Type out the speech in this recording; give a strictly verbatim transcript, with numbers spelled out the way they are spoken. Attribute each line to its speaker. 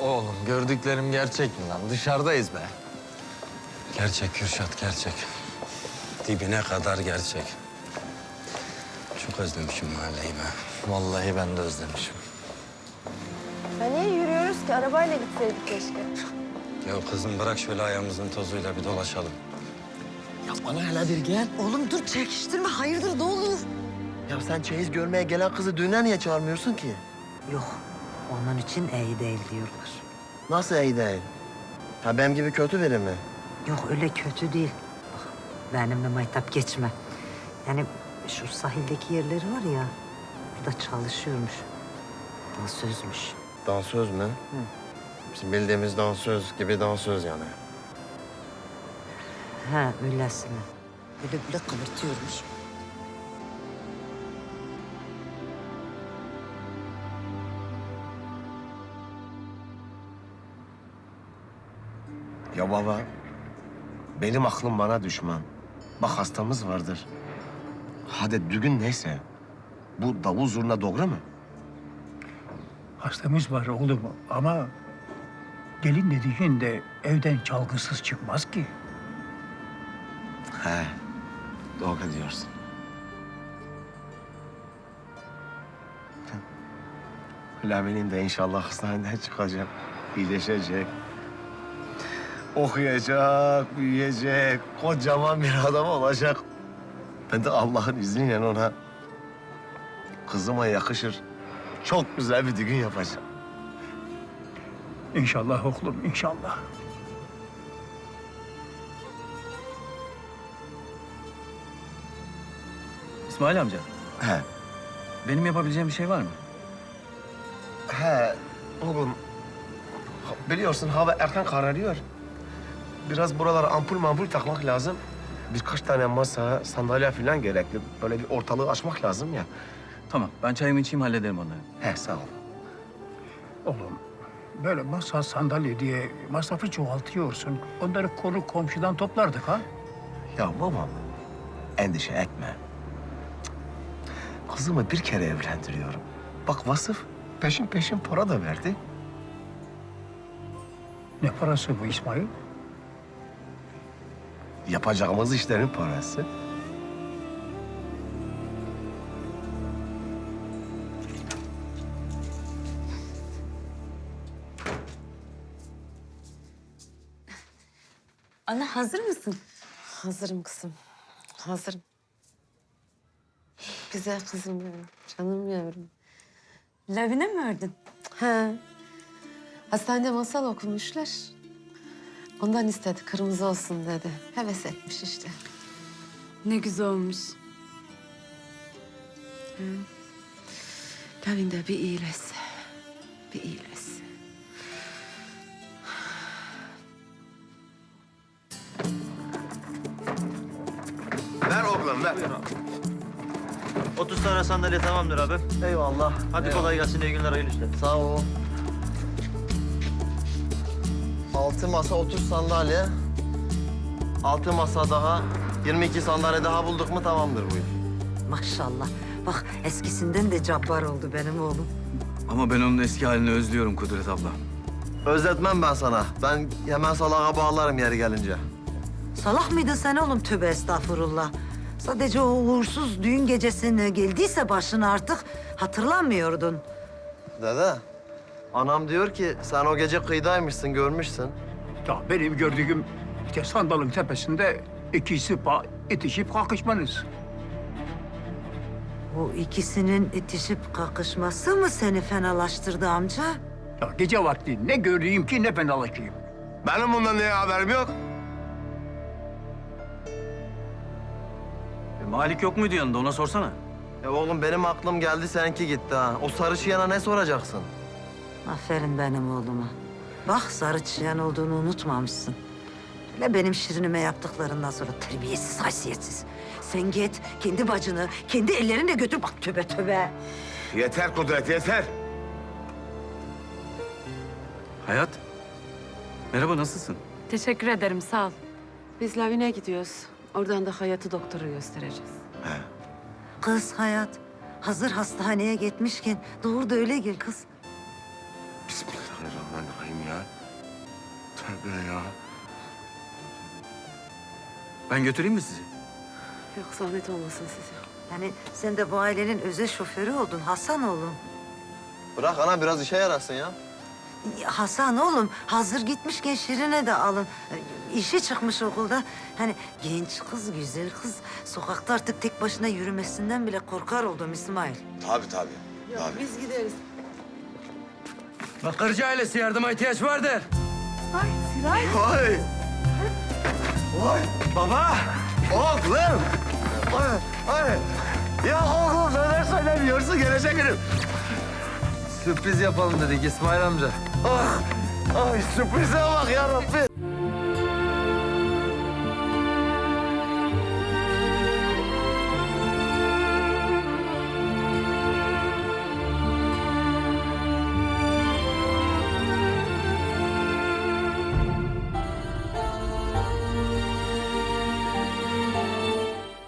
Speaker 1: Oğlum gördüklerim gerçek mi lan? Dışarıdayız be.
Speaker 2: Gerçek Kürşat, gerçek. Dibine kadar gerçek. Çok özlemişim mahalleyi be.
Speaker 1: Vallahi ben de özlemişim.
Speaker 3: Ya niye yürüyoruz ki? Arabayla gitseydik keşke.
Speaker 2: Ya kızım bırak şöyle ayağımızın tozuyla bir dolaşalım.
Speaker 4: Ya bana hele bir gel.
Speaker 5: Oğlum dur çekiştirme. Hayırdır ne olur?
Speaker 4: Ya sen çeyiz görmeye gelen kızı düğüne niye çağırmıyorsun ki?
Speaker 5: Yok. Onun için iyi değil diyorlar.
Speaker 4: Nasıl iyi değil? Ha benim gibi kötü biri mi?
Speaker 5: Yok öyle kötü değil. Bak, benimle maytap geçme. Yani şu sahildeki yerleri var ya, burada çalışıyormuş. Dansözmüş.
Speaker 4: Dansöz mü? Hı. Bizim bildiğimiz dansöz gibi dansöz yani.
Speaker 5: Ha öylesine. Böyle böyle kıvırtıyormuş.
Speaker 4: Ya baba, benim aklım bana düşman. Bak hastamız vardır. Hadi düğün neyse. Bu davul zurna doğru mu?
Speaker 6: Hastamız var oğlum ama gelin dediğin de evden çalgısız çıkmaz ki.
Speaker 4: He, doğru diyorsun. Lavi'nin de inşallah hastaneden çıkacak, iyileşecek. Okuyacak, büyüyecek, kocaman bir adam olacak. Ben de Allah'ın izniyle ona kızıma yakışır, çok güzel bir düğün yapacağım.
Speaker 6: İnşallah oğlum inşallah.
Speaker 7: İsmail amca,
Speaker 4: He,
Speaker 7: benim yapabileceğim bir şey var mı?
Speaker 4: he oğlum. ha- Biliyorsun hava erken kararıyor. Biraz buralara ampul mampul takmak lazım. Birkaç tane masa, sandalye falan gerekli. Böyle bir ortalığı açmak lazım ya.
Speaker 7: Tamam, ben çayımı içeyim hallederim onları.
Speaker 4: He, sağ ol.
Speaker 6: Oğlum böyle masa sandalye diye masrafı çoğaltıyorsun. Onları konu komşudan toplardık ha.
Speaker 4: Ya babam, endişe etme. Kızımı bir kere evlendiriyorum. Bak Vasıf peşin peşin para da verdi.
Speaker 6: Ne parası bu İsmail?
Speaker 4: Yapacağımız işlerin parası.
Speaker 8: Ana hazır mısın?
Speaker 3: Hazırım kızım. Hazırım. Güzel kızım benim. Canım yavrum.
Speaker 8: Lavine mi ördün?
Speaker 3: He. Hastanede masal okumuşlar. Ondan istedi. Kırmızı olsun dedi. Heves etmiş işte.
Speaker 8: Ne güzel olmuş.
Speaker 3: Lavin de bir iyileşse. Bir iyileşse.
Speaker 4: Ver oğlum ver.
Speaker 9: otuz tane sandalye tamamdır abi.
Speaker 4: Eyvallah.
Speaker 9: Hadi kolay gelsin, iyi günler, hayırlı işler.
Speaker 4: Sağ ol. Altı masa, otuz sandalye. Altı masa daha, yirmi iki sandalye daha bulduk mu tamamdır bu iş.
Speaker 5: Maşallah. Bak eskisinden de cabbar oldu benim oğlum.
Speaker 7: Ama ben onun eski halini özlüyorum Kudret abla.
Speaker 4: Özletmem ben sana. Ben hemen salağa bağlarım yeri gelince.
Speaker 5: Salak mıydın sen oğlum? Tövbe estağfurullah. Sadece o uğursuz düğün gecesine geldiyse başına artık hatırlamıyordun.
Speaker 4: Dede, anam diyor ki sen o gece kıyıdaymışsın, görmüşsün.
Speaker 6: Ya benim gördüğüm işte sandalın tepesinde ikisi pa itişip kakışmanız.
Speaker 5: O ikisinin itişip kakışması mı seni fenalaştırdı amca?
Speaker 6: Ya gece vakti ne göreyim ki ne fenalaşayım.
Speaker 4: Benim bundan niye haberim yok?
Speaker 7: E, Malik yok muydu yanında, ona sorsana.
Speaker 4: Ya oğlum benim aklım geldi, seninki gitti ha. O sarışıyana ne soracaksın?
Speaker 5: Aferin benim oğluma. Bak sarı çiyan olduğunu unutmamışsın. Hele benim şirinime yaptıklarından sonra terbiyesiz, haysiyetsiz. Sen git kendi bacını, kendi ellerinle götür. Bak tövbe tövbe.
Speaker 4: Yeter Kudret, yeter.
Speaker 7: Hayat, merhaba, nasılsın?
Speaker 8: Teşekkür ederim sağ ol.
Speaker 3: Biz Lavin'e gidiyoruz. Oradan da Hayat'ı doktora göstereceğiz.
Speaker 5: Kız hayat, hazır hastaneye gitmişken doğru da öyle gel kız.
Speaker 4: Bismillahirrahmanirrahim ya. Tövbe ya.
Speaker 7: Ben götüreyim mi sizi?
Speaker 3: Yok zahmet olmasın size.
Speaker 5: Yani sen de bu ailenin özel şoförü oldun Hasan oğlum.
Speaker 9: Bırak ana biraz işe yarasın ya.
Speaker 5: Ya Hasan oğlum hazır gitmişken Şirin'e de alın. İşe çıkmış okulda. Hani genç kız, güzel kız. Sokakta artık tek başına yürümesinden bile korkar oldum İsmail.
Speaker 9: Tabii tabii.
Speaker 3: Yok biz gideriz.
Speaker 1: Bakırcı ailesi yardıma ihtiyaç vardır.
Speaker 4: Vay! Vay! Baba! Oğlum! Ay, ay. Ya oğlum neler söylemiyorsun gelecek günüm.
Speaker 1: Sürpriz yapalım dedik İsmail amca.
Speaker 4: Ah! Ay sürprize bak ya Rabbi.